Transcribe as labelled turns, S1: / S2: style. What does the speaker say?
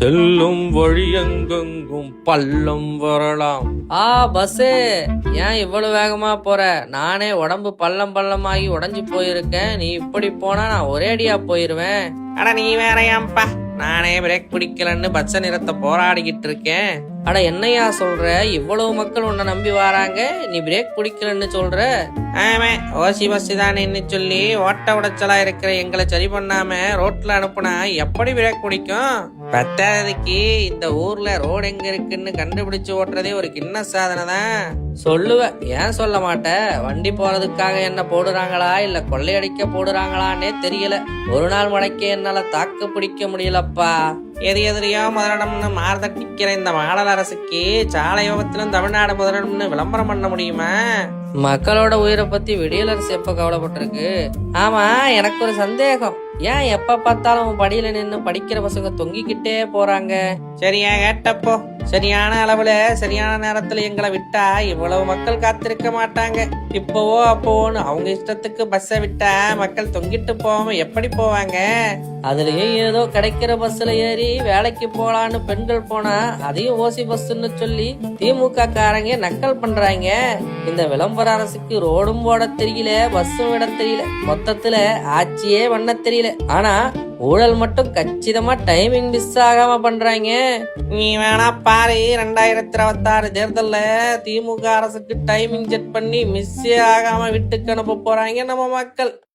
S1: செல்லும் வழியெங்கெங்கும் பள்ளம் வரலாம்.
S2: பஸ்ஸு ஏன் இவ்வளவு வேகமா போற? நானே உடம்பு பள்ளம் பள்ளமாகி உடைஞ்சு போயிருக்கேன். நீ இப்படி போனா நான் ஒரேடியா போயிருவேன்.
S3: அட நீ வேறையாம்பா, நானே பிரேக் பிடிக்கலன்னு பச்சை நிறத்தை போராடிக்கிட்டு இருக்கேன்.
S2: அட என்னையா சொல்ற? இவ்வளவு மக்கள் உன்னை நம்பி வராங்க, நீ பிரேக் பிடிக்கலன்னு சொல்ற?
S3: ஆமா, ஓசி பஸ் தானேன்னு சொல்லி ஓட்ட உடைச்சலா இருக்கிற எங்களை சரி பண்ணாம ரோட்ல அனுப்புனா எப்படி பிரேக் பிடிக்கும்? பத்தாவதுக்கு இந்த ஊர்ல ரோடு எங்க இருக்குன்னு கண்டுபிடிச்சு ஓட்டுறதே ஒரு கிண்ண சாதனை தான்.
S2: சொல்லுவேன், ஏன் சொல்ல மாட்டேன்? வண்டி போறதுக்காக என்ன போடுறாங்களா இல்ல கொள்ளையடிக்க போடுறாங்களான்னே தெரியல. ஒரு நாள் மடக்கே என்னால தாக்கு பிடிக்க முடியலப்பா.
S3: எதிரியோ முதலிடம்னு மாறுதட்டிக்கிற இந்த மாடல் அரசுக்கு சாலை விபத்திலும் தமிழ்நாடு முதலிடம்னு விளம்பரம் பண்ண முடியுமா?
S2: மக்களோட உயிரை பத்தி விடியல் அரசு எப்ப கவலைப்பட்டிருக்கு? ஆமா, எனக்கு ஒரு சந்தேகம். ஏன் எப்ப பார்த்தாலும் படியில நின்னு படிக்கிற பசங்க தொங்கிக்கிட்டே போறாங்க?
S3: சரியா கேட்டப்போ, சரியான அளவுல சரியான நேரத்துல எங்களை விட்டா இவ்வளவு மக்கள் காத்திருக்க மாட்டாங்க. இப்போவோ அப்போன்னு அவங்க இஷ்டத்துக்கு பஸ்ஸை விட்டா மக்கள் தொங்கிட்டு போகாம எப்படி போவாங்க?
S2: அதுலயும் ஏதோ கிடைக்கிற பஸ்ல ஏறி வேலைக்கு போலான்னு பெண்கள் போனா அதையும் ஓசி பஸ்ன்னு சொல்லி திமுக காரங்க நக்கல் பண்றாங்க. இந்த விளம்பர அரசுக்கு ரோடும் போட தெரியல, பஸ்ஸும் விட தெரியல, மொத்தத்துல ஆட்சியே பண்ண தெரியல. ஆனா ஊழல் மட்டும் கச்சிதமா டைமிங் மிஸ் ஆகாம பண்றாங்க.
S3: நீ வேணா பாரு, 2026 தேர்தல்ல திமுக அரசுக்கு டைமிங் செட் பண்ணி மிஸ்ஸே ஆகாம விட்டுக்கு அனுப்ப போறாங்க நம்ம மக்கள்.